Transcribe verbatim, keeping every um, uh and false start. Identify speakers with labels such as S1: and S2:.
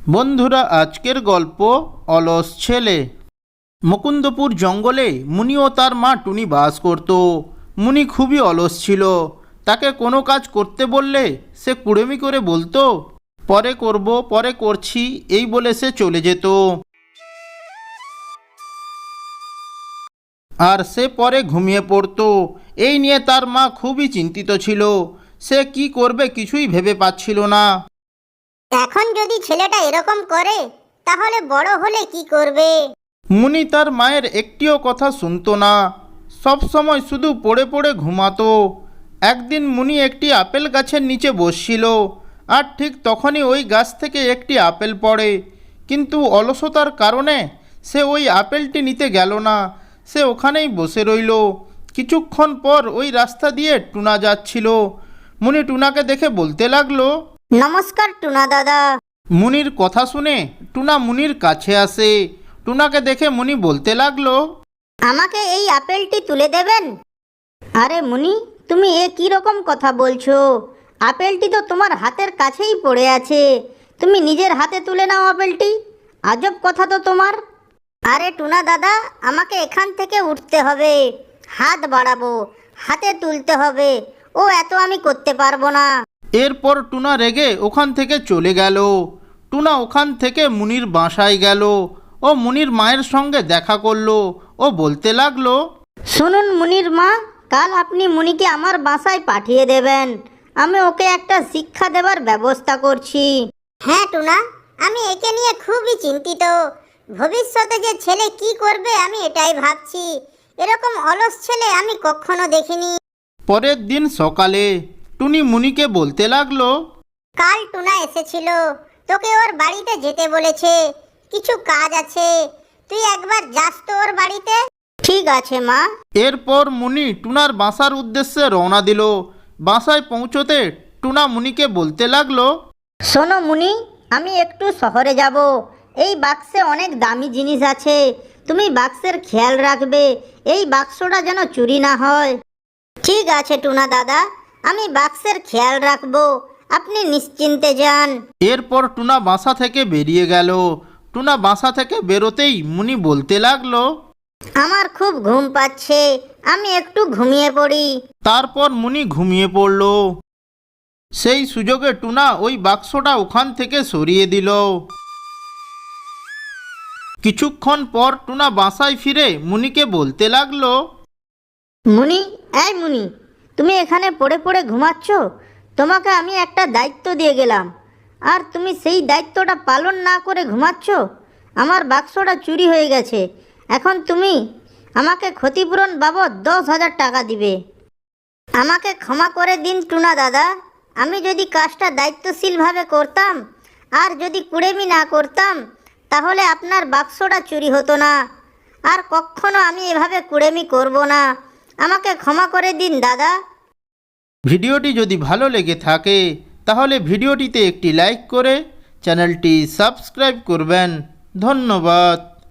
S1: বন্ধুরা, আজকের গল্প অলস ছেলে। মুকুন্দপুর জঙ্গলে মুনি ও তার মা টুনি বাস করত। মুনি খুবই অলস ছিল। তাকে কোনো কাজ করতে বললে সে কুড়েমি করে বলতো, পরে করব, পরে করছি, এই বলে সে চলে যেত। আর সে পরে ঘুমিয়ে পড়তো। এই নিয়ে তার মা খুবই চিন্তিত ছিল। সে কি করবে কিছুই ভেবে পাচ্ছিল না।
S2: এখন যদি ছেলেটা এরকম করে তাহলে বড় হলে কি করবে?
S1: মুনি তার মায়ের একটিও কথা শুনতো না। সব সময় শুধু পড়ে পড়ে ঘুমাতো। একদিন মুনি একটি আপেল গাছের নিচে বসছিল, আর ঠিক তখনই ওই গাছ থেকে একটি আপেল পড়ে। কিন্তু অলসতার কারণে সে ওই আপেলটি নিতে গেল না। সে ওখানেই বসে রইল। কিছুক্ষণ পর ওই রাস্তা দিয়ে টুনা যাচ্ছিল। মুনি টুনাকে দেখে বলতে লাগলো,
S2: নমস্কার টুনা দাদা।
S1: মুনির কথা শুনে টুনা মুনির কাছে আসে। টুনাকে দেখে মুনি বলতে লাগলো,
S2: আমাকে এই আপেলটি তুলে দেবেন? আরে মুনি, তুমি এ কি রকম কথা বলছো? আপেলটি তো তোমার হাতের কাছেই পড়ে আছে, তুমি নিজের হাতে তুলে নাও আপেলটি। আজব কথা তো তোমার। আরে টুনা দাদা, আমাকে এখান থেকে উঠতে হবে, হাত বাড়াবো, হাতে তুলতে হবে, ও এত আমি করতে পারবো না।
S1: এরপর টুনা রেগে ওখান থেকে চলে গেল। টুনা ওখান থেকে মুনির বাসায় গেল। ও মুনির মায়ের সঙ্গে দেখা করলো। ও বলতে লাগলো,
S2: শুনুন মুনির মা, কাল আপনি মুনিকে আমার বাসায় পাঠিয়ে দেবেন। আমি ওকে একটা শিক্ষা দেবার ব্যবস্থা করছি। হ্যাঁ টুনা, আমি একে নিয়ে খুবই চিন্তিত। ভবিষ্যতে যে ছেলে কি করবে আমি এটাই ভাবছি। এরকম অলস ছেলে আমি কখনো দেখিনি।
S1: পরের দিন সকালে টুনি মুনিকে বলতে লাগলো,
S2: কাল টুনা এসেছিল, তোকে ওর বাড়িতে যেতে বলেছে, কিছু কাজ আছে, তুই একবার যাস তো ওর বাড়িতে। ঠিক আছে মা।
S1: এরপর মুনি টুনার বাসার উদ্দেশ্যে রওনা দিল। বাসায় পৌঁছতে টুনা মুনিকে বলতে লাগলো,
S2: শোনো মুনি, আমি একটু শহরে যাব। এই বাক্সে অনেক দামি জিনিস আছে, তুমি বাক্সের খেয়াল রাখবে, এই বাক্সটা যেন চুরি না হয়। ঠিক আছে টুনা দাদা, আমি বাক্সের খেয়াল রাখবো, আপনি নিশ্চিন্তে যান।
S1: এরপর টুনা বাসা থেকে বেরিয়ে গেল। টুনা বাসা থেকে বেরোতেই মুনি বলতে লাগলো,
S2: আমার খুব ঘুম পাচ্ছে, আমি একটু ঘুমিয়ে পড়ি।
S1: তারপর মুনি ঘুমিয়ে পড়ল। সেই সুযোগে টুনা ওই বাক্সটা ওখান থেকে সরিয়ে দিল। কিছুক্ষণ পর টুনা বাসায় ফিরে মুনিকে বলতে লাগলো,
S2: মুনি, এই মুনি, তুমি এখানে পড়ে পড়ে ঘুমাচ্ছ? তোমাকে আমি একটা দায়িত্ব দিয়ে গেলাম, আর তুমি সেই দায়িত্বটা পালন না করে ঘুমাচ্ছ। আমার বাক্সটা চুরি হয়ে গেছে, এখন তুমি আমাকে ক্ষতিপূরণ বাবদ দশ হাজার টাকা দিবে। আমাকে ক্ষমা করে দিন টুনা দাদা, আমি যদি কাজটা দায়িত্বশীলভাবে করতাম আর যদি কুড়েমি না করতাম তাহলে আপনার বাক্সটা চুরি হতো না। আর কখনো আমি এভাবে কুড়েমি করব না, আমাকে ক্ষমা করে দিন দাদা।
S1: ভিডিওটি যদি ভালো লেগে থাকে তাহলে ভিডিওটিতে একটি লাইক করে চ্যানেলটি সাবস্ক্রাইব করবেন। ধন্যবাদ।